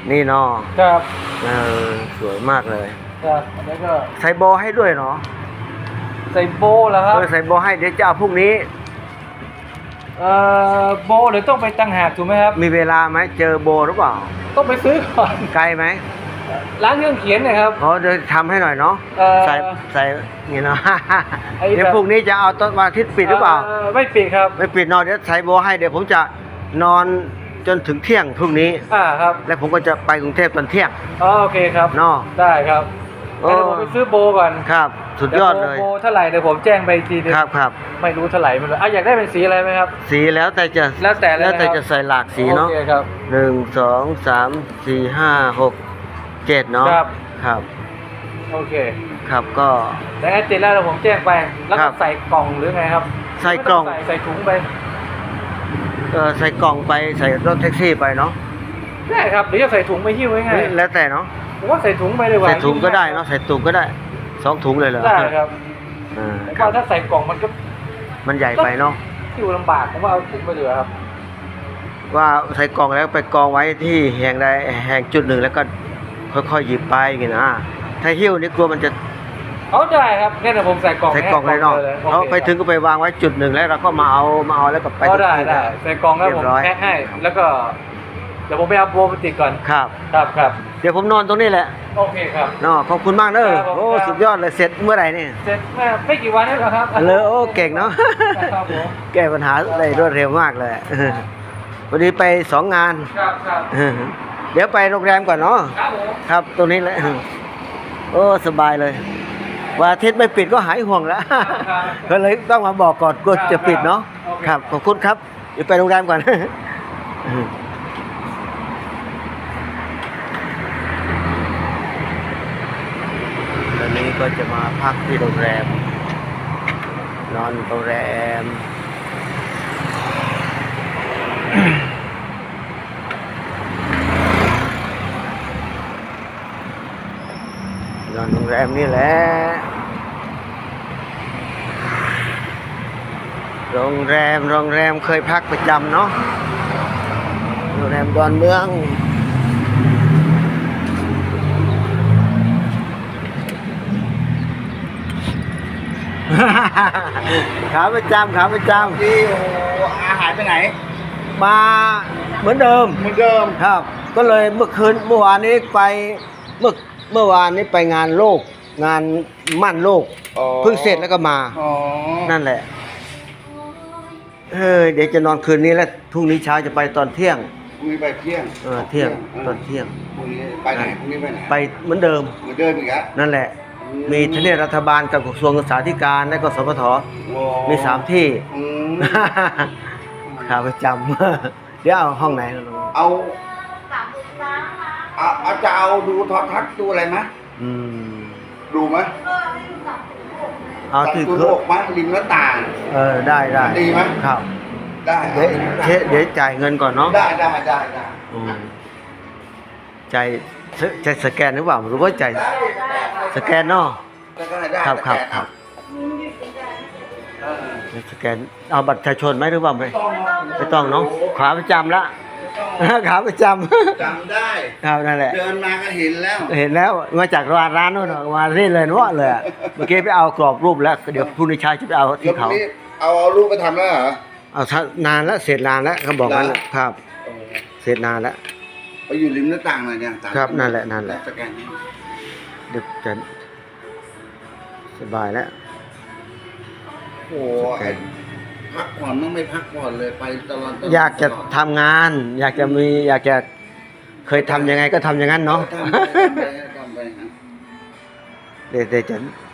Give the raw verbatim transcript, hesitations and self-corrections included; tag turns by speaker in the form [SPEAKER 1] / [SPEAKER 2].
[SPEAKER 1] นี่เนาะ
[SPEAKER 2] ครับ
[SPEAKER 1] เออสวยมากเลย
[SPEAKER 2] ครับแล้วก็
[SPEAKER 1] ใส่โบให้ด้วยเนาะ
[SPEAKER 2] ใส่โบแล้วครับ
[SPEAKER 1] เออใส่โบให้เดี๋ยวจะเอาพรุ่งนี้
[SPEAKER 2] เอ่อโบเดี๋ยวต้องไปตั้งหากถูกไหมครับ
[SPEAKER 1] มีเวลาไหมเจอโบหรือเปล่า
[SPEAKER 2] ต้องไปซื้อก่อน
[SPEAKER 1] ไกลไหม
[SPEAKER 2] ร้านเครื่องเขียนนะครับ
[SPEAKER 1] อ๋อเดี๋ยวทำให้หน่อยเนาะใส่ใส่นี่เนาะเดี๋ยวพรุ่งนี้จะเอาต้นวันอาทิตย์ปิดหรือเปล่า
[SPEAKER 2] ไม่ปิดครับ
[SPEAKER 1] ไม่ปิดนอนเดี๋ยวใส่โบให้เดี๋ยวผมจะนอนจนถึงเที่ยงพรุ่งนี้
[SPEAKER 2] อ่าครับ
[SPEAKER 1] แล้วผมก็จะไปกรุงเทพตอนเที่ยง
[SPEAKER 2] อ๋อโอเคครับ
[SPEAKER 1] เนาะ
[SPEAKER 2] ได้ครับเดี๋ยวผมไปซื้อโบก่อน
[SPEAKER 1] ครับสุดยอดเลย
[SPEAKER 2] โบเท่าไหร่เดี๋ยวผมแจ้งไปทีนึง
[SPEAKER 1] ครับครับ
[SPEAKER 2] ไม่รู้เท่าไหร่ไม่รู้อ่ะอยากได้เป็นสีอะไรไหมครับ
[SPEAKER 1] สีแล้วแต่จะ
[SPEAKER 2] แล้วแต่
[SPEAKER 1] แล้วแต่จะใส่หลากสีเนาะ
[SPEAKER 2] โอเคครับ
[SPEAKER 1] หนึ่งสองสามสี่ห้าหกเจ็ดเนาะ
[SPEAKER 2] ครับ
[SPEAKER 1] ครับ
[SPEAKER 2] โอเค
[SPEAKER 1] ครับก็
[SPEAKER 2] แต่ติดแล้วผมแจ้งไปแล้วก็ใส่กล่องหรือไงครับ
[SPEAKER 1] ใส่กล่อง
[SPEAKER 2] ใส่ถุงไป
[SPEAKER 1] เออใส่กล่องไปใส่รถแท็กซี่ไปเนาะ
[SPEAKER 2] ได้ครับหรือจะใส่ถุงไปหิ้วไว้ไง
[SPEAKER 1] แล้วแต่เนาะ
[SPEAKER 2] ผมว่าใส่ถุงไปเลยว่า
[SPEAKER 1] ใส่ถุงก็ได้เนาะใส่ถุงก็ได้สองถุงเลยเหรอ
[SPEAKER 2] ได้ครับเพราะถ้าใส่กล่องมันก็
[SPEAKER 1] มันใหญ่ไปเนาะ
[SPEAKER 2] หิ้วลำบากผมว่าเอาถุงไปเลยครับ
[SPEAKER 1] ว่าใส่กล่องแล้วไปกองไว้ที่แห่งใดแห่งจุดหนึ่งแล้วก็ค่อยๆหยิบไปอย่างนี้นะถ้าหิ้วนี่กลัวมันจะ
[SPEAKER 2] เขาได้ครับแค่แต่ผมใส่กล่อง
[SPEAKER 1] ใส่กล่องเลยเนาะเขาไปถึงก็ไปวางไว้จุดหนึ่งแล้วเราก็มาเอามาเอาแล้วก็ไป
[SPEAKER 2] ก็ได้ได้ใส่กล่องแล้วผมแพ็คให้แล้วก็เดี๋ยวผมไปเอาโบมาติดก่อน
[SPEAKER 1] ครับ
[SPEAKER 2] ครับครับ
[SPEAKER 1] เดี๋ยวผมนอนตรงนี้แหละ
[SPEAKER 2] โอเคครับ
[SPEAKER 1] เนาะขอบคุณมากเด้อโอ้สุดยอดเลยเสร็จเมื่อไหร่เนี่ย
[SPEAKER 2] เสร็จไม่กี่วันนี่หรอครับ
[SPEAKER 1] เลยโอ้เก่งเนาะแก้ปัญหาได้รวดเร็วมากเลยวันนี้ไปสองงาน
[SPEAKER 2] ครับครับ
[SPEAKER 1] เดี๋ยวไปโรงแรมก่อนเนาะ
[SPEAKER 2] ครับผม
[SPEAKER 1] ครับตรงนี้แหละโอ้สบายเลยวันอาทิตย์ไม่ปิดก็หายห่วงแล้วก็เลยต้องมาบอกก่อนกลัวจะปิดเนาะครับขอบคุณครับเดี๋ยวไปโรงแรมก่อนตอนนี้ก็จะมาพักที่โรงแรมนอนโรงแรมนอนโรงแรมนี่แหละโรงแรมโรงแรมเคยพักประจำเนาะโรงแรมดอนเมืองขาประจำขาประจำ
[SPEAKER 3] ที่อาหารไปไหน
[SPEAKER 1] มาเหมือนเดิม
[SPEAKER 3] เหมือนเดิม
[SPEAKER 1] ครับก็เลยเมื่อคืนเมื่อวานนี้ไปเมื่อเมื่อวานนี้ไปงานโลกงานมั่นโลกเพิ่งเสร็จแล้วก็มานั่นแหละเฮ้ยเดี๋ยวจะนอนคืนนี้แล้วพรุ่งนี้เช้าจะไปตอนเที่ยง
[SPEAKER 3] พรุ่งนี้ไปเที่ยง
[SPEAKER 1] เออเที่ยงตอนเที่ยง
[SPEAKER 3] พรุ่งนี้ไปไหนพรุ่งนี้ไปไหน
[SPEAKER 1] ไปเหมือนเดิม
[SPEAKER 3] เหมือนเดิมอีกแล้ว
[SPEAKER 1] นั่นแหละมีทเนรัฐบาลกับกระทรวงศึกษาธิการและก็สปทมีสามที่ขาประจำเดี๋ยวเอาห้องไหน
[SPEAKER 3] เอาเอาเอาจะเอาดูทอทัศน์ดูอะไรไหมดูไหม
[SPEAKER 1] เอาที่
[SPEAKER 3] คือโลกไหมริมหน้าต่าง
[SPEAKER 1] เออได้ได้
[SPEAKER 3] ดีไหม
[SPEAKER 1] ครับ
[SPEAKER 3] ได้
[SPEAKER 1] เดี๋ยวเดี๋ยวจ่ายเงินก่อนเนาะ
[SPEAKER 3] ได้ได้ได้ได้
[SPEAKER 1] จ่ายจ่ายสแกนหรือเปล่าหรือว่าจ่ายสแกนเนาะครับครับครับสแกนเอาบัตรประชาชนไหมหรือเปล่าไม่ไม่ต้องเนาะขาประจำละขาประจำ
[SPEAKER 3] จำได้
[SPEAKER 1] ครับนั่นแหละ
[SPEAKER 3] เดินมาก็เห็นแล้ว
[SPEAKER 1] เห็นแล้วมาจากร้านร้านนู้นมาเรื่อยเลยว่าเลยเมื่อกี้ไปเอากรอบรูปแล้วเดี๋ยวพรุ่งนี้เช้าจะไปเอาที่เขา
[SPEAKER 3] เอาเอารูปไปทำแล้วเหรอ
[SPEAKER 1] เอานานแล้วเสร็จนานแล้วเขาบอกงั้นครับเสร็จนานแล้ว
[SPEAKER 3] ไปอยู่ริมหน้าต่างเลยเนี่ย
[SPEAKER 1] ครับนั่นแหละนั่นแหละ
[SPEAKER 3] สแกน
[SPEAKER 1] ดึกจะสบายแล้ว
[SPEAKER 3] โอ้พักผ่อนต้องไม่พักผ่อนเลยไปตลอด
[SPEAKER 1] อยากจะทำงานอยากจะมีอยากจะเคยทำยังไงก็ทำอย่างนั้นเนาะเดี๋ยวจะ